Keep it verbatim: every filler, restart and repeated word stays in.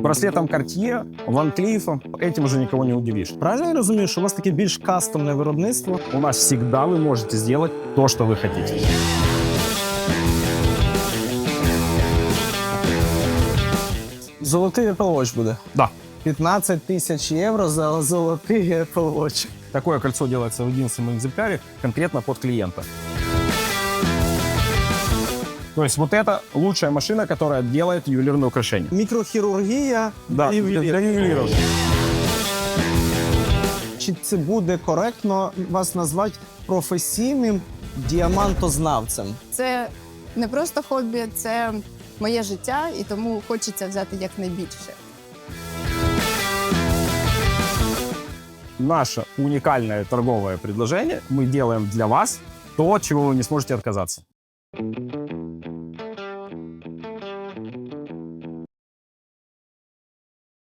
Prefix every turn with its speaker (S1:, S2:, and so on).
S1: Браслетом Cartier, Van Cleef, этим уже никого не удивишь.
S2: Правильно я розумію, що у вас таке більш кастомне виробництво?
S1: У нас всегда вы можете сделать то, что вы хотите.
S2: Золотий Apple Watch буде.
S1: Да.
S2: п'ятнадцять тисяч євро за золотий Apple Watch.
S1: Такое кольцо делается в единственном экземпляре, конкретно под клиента. То есть вот это лучшая машина, которая делает ювелирное украшение.
S2: Мікрохірургія
S1: Да,
S2: і
S1: для, для ювелиров.
S2: Чи це буде коректно вас назвати професійним діамантознавцем?
S3: Це не просто хобі, це моє життя, і тому хочеться взяти якнайбільше.
S1: Наше уникальное торговое предложение. Мы делаем для вас то, от чего вы не сможете отказаться.